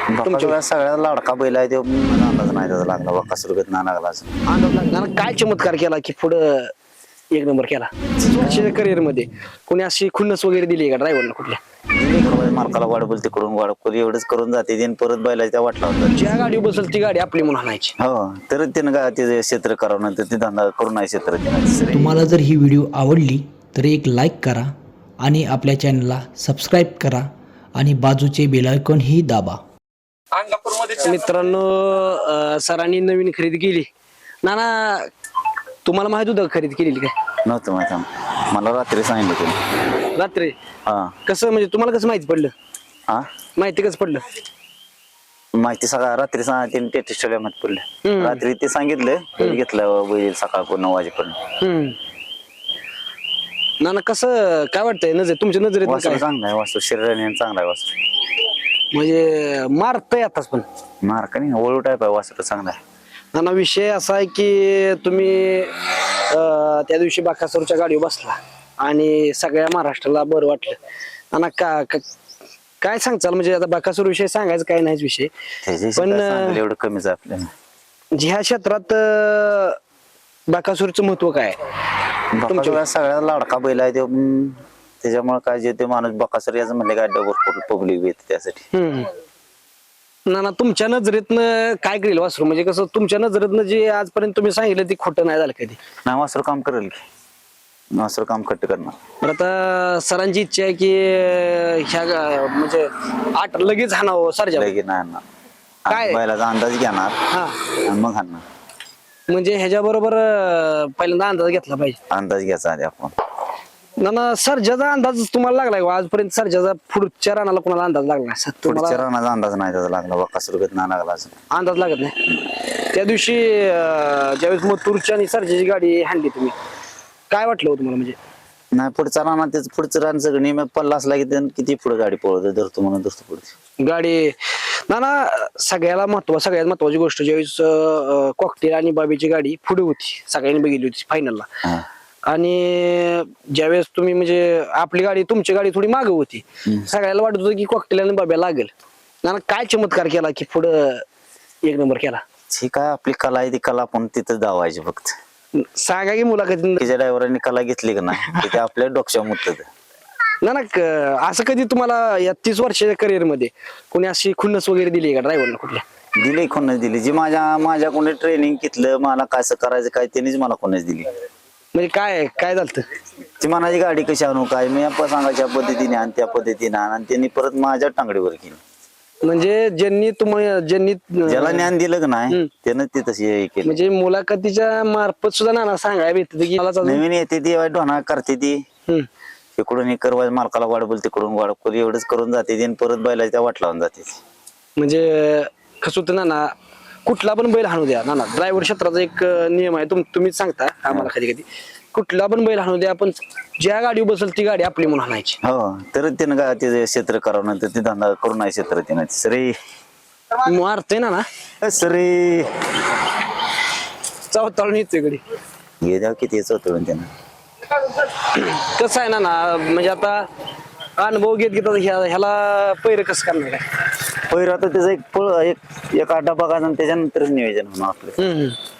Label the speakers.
Speaker 1: तुमच्या सगळ्यात लाडका बैल आहे तो मला अंदाज नाही त्याचा लागला बकासूर ना लागला
Speaker 2: अंदाज लागला काय चमत्कार केला की पुढं एक नंबर केला वर्षाच्या करिअर मध्ये कोणी अशी खुन्नस वगैरे दिली का ड्रायव्हरला कुठल्या
Speaker 1: मालकाला वाढबल तिकडून वाढबल एवढंच करून जाते आणि परत बैला त्या वाटला होता
Speaker 2: ज्या गाडी बसल ती गाडी आपली म्हणून आणायची
Speaker 1: हो तर त्यानं का ते क्षेत्र करावं नंतर ते धंदा करून नाही क्षेत्र तिने
Speaker 3: तुम्हाला जर ही व्हिडिओ आवडली तर एक लाईक करा आणि आपल्या चॅनलला सबस्क्राईब करा आणि बाजूचे बेल आयकॉन ही दाबा.
Speaker 2: मित्रांनो सरांनी नवीन खरेदी केली नाना तुम्हाला माहित होतं खरेदी केलेली काय
Speaker 1: नव्हतं माहिती मला रात्री सांगितलं तुम्ही
Speaker 2: रात्री
Speaker 1: हा
Speaker 2: कसं म्हणजे तुम्हाला कसं माहिती पडलं
Speaker 1: हा
Speaker 2: माहिती कसं पडलं
Speaker 1: माहिती सकाळ रात्री तिने टेस्टला माहिती पडलं रात्री ते सांगितलं घेतलं बैल सकाळ 9 वाजेपर्यंत
Speaker 2: नाना कसं काय वाटतंय नजर तुमच्या नजरेत
Speaker 1: वासरू
Speaker 2: काय
Speaker 1: चांगला आहे वासरू शरीराने चांगला आहे वासरू
Speaker 2: म्हणजे मारतय आताच पण
Speaker 1: मार्क नाही ओळू टाईप आहे वासरू चांगला आहे
Speaker 2: नाना विषय असा आहे की तुम्ही त्या दिवशी बाकासूरच्या गाडीवर बसला आणि सगळ्या महाराष्ट्राला बरं वाटलं नाना काय सांगचाल म्हणजे आता बाकासूर विषय सांगायचं काय नाहीच विषय पण
Speaker 1: एवढं कमीच आहे आपल्याला
Speaker 2: ह्या क्षेत्रात बाकासूरचं महत्व काय
Speaker 1: बकासूर सगळ्यात लाडका बैल आहे तो त्याच्यामुळे काय जे ते माणूस बकासूर याचं म्हणले काय भरपूर पब्लिक येते त्यासाठी
Speaker 2: नाना तुमच्या नजरेतनं काय करेल वासरू म्हणजे कसं तुमच्या नजरेतनं जे आजपर्यंत तुम्ही सांगितलं ते खोटं नाही झालं कधी
Speaker 1: नाही वासरू काम करेल की वासरू काम कट्ट करणार
Speaker 2: तर आता सरांची इच्छा आहे की ह्या म्हणजे 8 लगेच हाणावं सरजा
Speaker 1: लगेच नाही आणणार
Speaker 2: काय?
Speaker 1: बैलाचा अंदाज घेणार
Speaker 2: हा
Speaker 1: आणि मग आणणार
Speaker 2: म्हणजे ह्याच्या बरोबर पहिल्यांदा अंदाज घेतला पाहिजे
Speaker 1: अंदाज घ्यायचा आधी आपण
Speaker 2: नाना सर्जाचा अंदाज तुम्हाला लागलाय का आजपर्यंत सर्जाचा पुढच्या रानाला कोणाला अंदाज लागला नाही
Speaker 1: पुढच्या
Speaker 2: तुम्हाला
Speaker 1: रानाचा अंदाज नाही त्याचा लागला बकासूर ना लागला अजून.
Speaker 2: अंदाज लागत नाही त्या दिवशी ज्यावेळेस मथुरच्या आणि सर्जाची गाडी हाणली तुम्ही काय वाटलं हो तुम्हाला म्हणजे
Speaker 1: नाही पुढचा राणा त्याचं पुढचं रान सगळं नियमित पल्ला असला की त्यानं किती पुढे गाडी पळवतो धरतो म्हणून धरतो पुढे
Speaker 2: गाडी नाना सगळ्यात महत्वाची गोष्ट ज्यावेळेस कॉकटेल आणि बाबीची गाडी पुढे होती सगळ्यांनी बघितली होती फायनलला आणि ज्यावेळेस तुम्ही म्हणजे आपली गाडी तुमची गाडी थोडी मागे होती सगळ्याला वाटत होतं की कॉकटेल आणि बाब्या लागेल नाना काय चमत्कार केला की पुढं एक नंबर केला
Speaker 1: ही काय आपली कला आहे ती कला आपण तिथं दावायची फक्त
Speaker 2: सांगा की मुलाखतीत
Speaker 1: तिच्या ड्रायव्हरांनी कला घेतली का नाही ते आपल्या डोक्यावर मुतत
Speaker 2: नाना असं कधी तुम्हाला या 30 वर्षाच्या करिअर मध्ये कोणी अशी खुन्नस वगैरे दिली का ड्रायव्हरला कुठल्या
Speaker 1: दिली कोणच दिली जी माझ्या कोणी ट्रेनिंग घेतलं मला कसं करायचं काय त्यांनीच मला कोणच दिली
Speaker 2: म्हणजे काय झालं
Speaker 1: ती मनाची गाडी कशी आणू काय मी सांगायच्या पद्धतीने आणि त्या पद्धतीने आणि त्यांनी परत माझ्या टांगडीवर केली
Speaker 2: म्हणजे ज्यांनी
Speaker 1: ज्याला ज्ञान दिलं का नाही त्यानं ते तशी हे केली
Speaker 2: म्हणजे मुलाखतीच्या मार्फत सुद्धा नाना सांगायला भेटत की मला
Speaker 1: नवीन येते ती ढोना करते ती इकडून हे करवाय मालकाला वाढबल तिकडून वाढबल एवढंच करून जाते आणि परत बैला त्या वाट लावून जाते
Speaker 2: म्हणजे कसं होतं नाना कुठला पण बैल हाणू द्या नाना ड्रायव्हर क्षेत्राचा एक नियम आहे तुम्हीच सांगता आम्हाला कधी कधी कुठला पण बैल हाणू द्या आपण ज्या गाडीवर बसल ती गाडी आपली म्हणून हाणायची
Speaker 1: हो तर त्यानं का ते क्षेत्र करावं नंतर ते धंदा करून नाही क्षेत्र तिनं सरे
Speaker 2: मारते ना
Speaker 1: सरे
Speaker 2: चावताळून येतोय गडी
Speaker 1: हे द्या किती होतं त्यानं
Speaker 2: कसं आहे ना म्हणजे आता अनुभव घेत ह्याला पैर कसं करणार आहे
Speaker 1: पहिला तर त्याचा एक आड्डा बघायचा आणि त्याच्यानंतरच नियोजन होणार आपलं